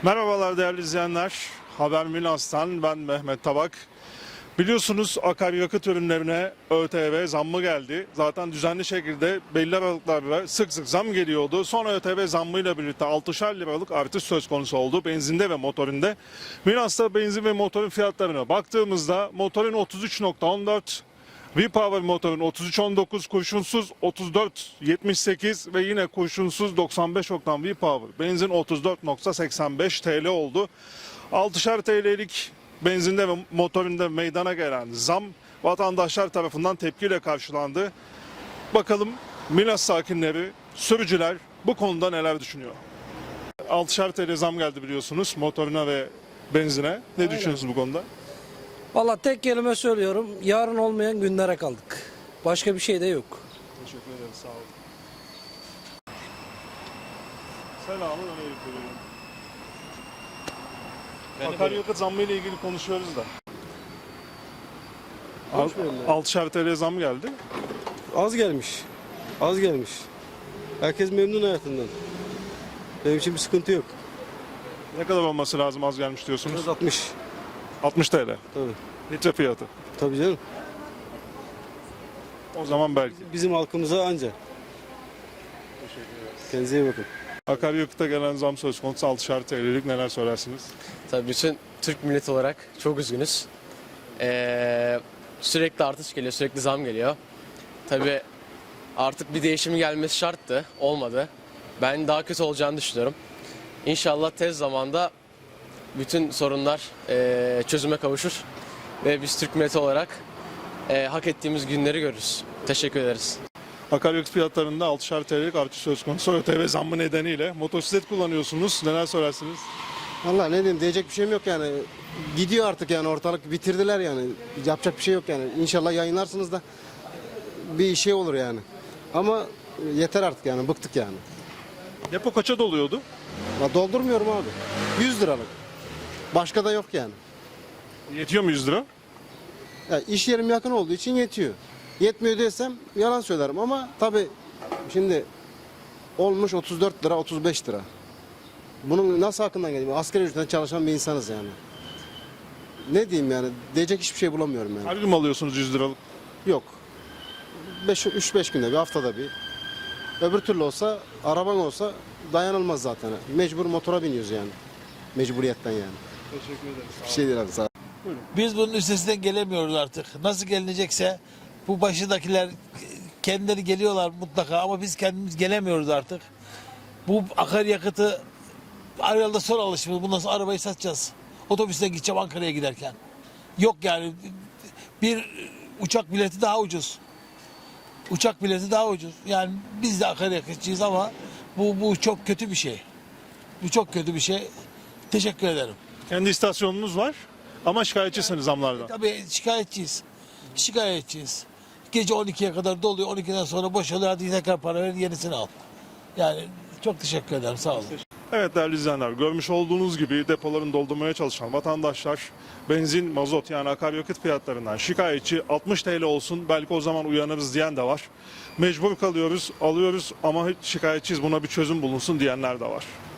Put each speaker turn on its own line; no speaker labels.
Merhabalar değerli izleyenler. Haber Milas'tan ben Mehmet Tabak. Biliyorsunuz akaryakıt ürünlerine ÖTV zammı geldi. Zaten düzenli şekilde belli aralıklarla sık sık zam geliyordu. Sonra ÖTV zammıyla birlikte 6'şer liralık artış söz konusu oldu benzinde ve motorinde. Milas'ta benzin ve motorun fiyatlarına baktığımızda motorun 33.14, V-Power motorun 33.19, kurşunsuz 34.78 ve yine kurşunsuz 95 oktan V-Power benzin 34.85 TL oldu. 6'şer TL'lik benzinde ve motorunda meydana gelen zam vatandaşlar tarafından tepkiyle karşılandı. Bakalım Milas sakinleri, sürücüler bu konuda neler düşünüyor? 6'şer TL zam geldi biliyorsunuz motoruna ve benzine. Ne düşünüyorsunuz bu konuda?
Valla tek kelime söylüyorum. Yarın olmayan günlere kaldık. Başka bir şey de yok.
Teşekkür ederim, sağ olun. Selamun aleyküm. Akaryakıt zammı ile ilgili konuşuyoruz da. 6'şer TL zam geldi.
Az gelmiş. Az gelmiş. Herkes memnun hayatından. Benim için bir sıkıntı yok.
Ne kadar olması lazım az gelmiş diyorsunuz?
60.
60 TL.
Tabii.
Litre fiyatı.
Tabii canım.
O zaman belki.
Bizim halkımıza anca. Kendinize iyi bakın.
Akaryakıta gelen zam söz konusu 6'şer TL'lik neler söylersiniz?
Tabii bütün Türk milleti olarak çok üzgünüz. Sürekli artış geliyor, sürekli zam geliyor. Tabii artık bir değişim gelmesi şarttı, olmadı. Ben daha kötü olacağını düşünüyorum. İnşallah tez zamanda bütün sorunlar çözüme kavuşur ve biz Türk milleti olarak hak ettiğimiz günleri görürüz. Teşekkür ederiz.
Akaryakıt fiyatlarında 6'şer TL'lik artış söz konusu ÖTV zammı nedeniyle. Motosiklet kullanıyorsunuz. Neler söylersiniz?
Vallahi ne diyeyim, diyecek bir şeyim yok yani. Gidiyor artık yani, ortalık bitirdiler yani. Yapacak bir şey yok yani. İnşallah yayınlarsınız da bir şey olur yani. Ama yeter artık yani, bıktık yani.
Depo kaça doluyordu?
Ya doldurmuyorum abi. 100 liralık. Başka da yok yani.
Yetiyor mu 100 lira?
Ya iş yerim yakın olduğu için yetiyor. Yetmiyor desem yalan söylerim ama tabii şimdi olmuş 34 lira 35 lira. Bunun nasıl hakkından geliyor? Asgari ücretten çalışan bir insanız yani. Ne diyeyim yani, diyecek hiçbir şey bulamıyorum yani.
Her gün mü alıyorsunuz 100 liralık?
Yok. 3-5 günde bir, haftada bir. Öbür türlü olsa, araban olsa dayanılmaz zaten. Mecbur motora biniyoruz yani. Mecburiyetten yani.
Teşekkür ederim.
Bir şey değil abi, sağ ol.
Biz bunun üstesinden gelemiyoruz artık. Nasıl gelinecekse bu başındakiler kendileri geliyorlar mutlaka ama biz kendimiz gelemiyoruz artık. Bu akaryakıtı arayalda son alışımız. Bundan sonra arabayı satacağız. Otobüsten gideceğim Ankara'ya giderken. Yok yani, bir uçak bileti daha ucuz. Uçak bileti daha ucuz. Yani biz de akaryakıtçıyız ama bu çok kötü bir şey. Bu çok kötü bir şey. Teşekkür ederim.
Kendi istasyonunuz var ama şikayetçisiniz zamlardan.
Tabii şikayetçiyiz. Şikayetçiyiz. Gece 12'ye kadar doluyor. 12'den sonra boşalıyor. Hadi tekrar para ver, yenisini al. Yani çok teşekkür ederim. Sağ olun.
Evet değerli izleyenler, görmüş olduğunuz gibi depoların doldurmaya çalışan vatandaşlar benzin, mazot yani akaryakıt fiyatlarından şikayetçi. 60 TL olsun belki o zaman uyanırız diyen de var. Mecbur kalıyoruz, alıyoruz ama hiç şikayetçiyiz, buna bir çözüm bulunsun diyenler de var.